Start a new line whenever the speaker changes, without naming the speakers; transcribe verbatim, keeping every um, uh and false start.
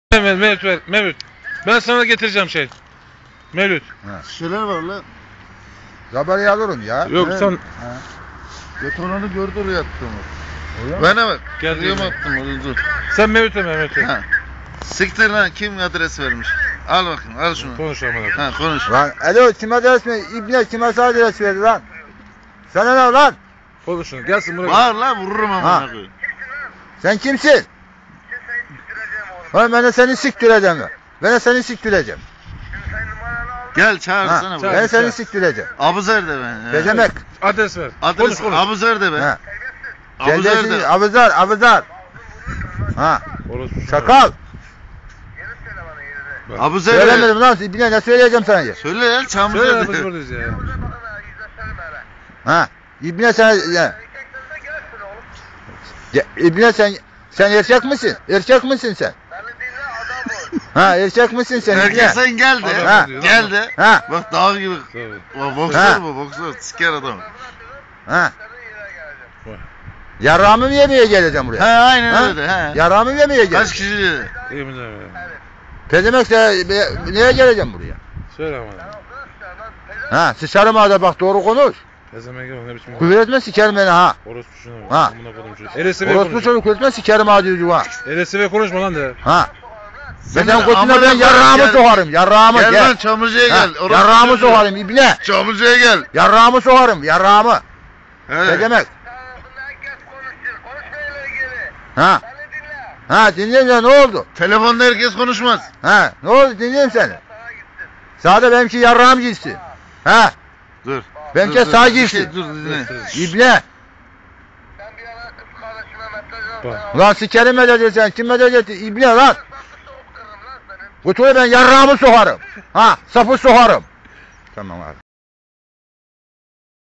Mevlüt, Mevlüt ver, Mevlüt. Ben sana getireceğim şey. Mevlüt.
Şeyler var lan.
Haberi alırım ya.
Yok
Evet.
sen
Betonanı gördü oraya attığımı.
Öyle mi?
Bana bak.
Gel
Oraya
diyeyim
mı
ben.
attım oraya dur.
sen Mevlüt'e Mevlüt ver.
Ha. Siktir lan, kim adres vermiş? Al bakayım, al şunu.
Konuş amına.
Ha, konuş.
Lan alo kim adres mi? İbne kim adres verdi lan? Sana ne lan?
Konuşun. Gelsin buraya.
Bağır lan, vururum
Ha.
amına koyayım.
Sen kimsin? Ha ben de seni siktireceğim. Ben de seni siktireceğim.
Gel çağırsana
Ha,
buraya.
ben seni
çağır.
siktireceğim.
Abuzer de ben.
Ne demek?
Adres ver.
Adres
konuş konuş.
Abuzer de ben.
Ha.
Abuzer
Geleceksin
de.
abuzar abuzar. Ha.
Orası
Çakal.
Abuzer de.
Söylemedim lan. İbne ne söyleyeceğim sana ya?
Söyle lan,
Söyle
Çamlızer
ya biz
de.
buradayız ya.
Ha. İbne sen ya. Ya, İbne sen sen erkek misin? Erkek misin sen? Ha erkek misin sen İbne?
Herkes sen gel de.
Adam
Ha.
diyor,
Gel
adam.
de.
Ha.
Bak dağ gibi.
Tabii.
Bak boksör
Ha.
bu, boksör. Siker adam.
Ha.
Vay.
Yarrağımı mı yemeye geleceğim buraya?
He aynen
Ha?
öyle he.
Yarrağımı yemeye
Kaç
geleceğim.
kişi dedi?
İyi mi de?
Pedemek de be- neye geleceğim buraya?
Söyle amına.
Ha sıçarım ağda bak doğru konuş.
Ne zaman gel ne biçim.
Küfür etme sikerim beni ha.
Orospu şuna bak.
Ha.
Amına koydum çocuğu. Elesi ve
Orospu
konuş.
çocuk etme sikerim ağda yüzü ha.
Elesi ve konuşma lan de.
Ha.
Sen
Ben
de
götüne
amına
ben
koyayım,
yarrağımı
gel.
sokarım. Yarrağımı
Gel
gel.
lan Çamlıca'ya
Ha,
gel. Orası
yarrağımı
çocuğu.
sokarım ibne.
Çamlıca'ya gel.
Yarrağımı sokarım yarrağımı.
He.
Ne demek? Ha. Ha dinleyeyim ya ne oldu?
Telefonda herkes konuşmaz.
Ha ne oldu dinleyeyim seni. Sağda benimki yarrağım gitsin. Ha
Dur.
Benimki
dur, dur.
sağ
Bir
girsin.
şey, dur dinle.
ibne.
Bak.
Ulan sikerim medeni sen kim medeni ibne lan. Kutuya ben yarrağımı sokarım. Ha sapı sokarım. Tamam abi.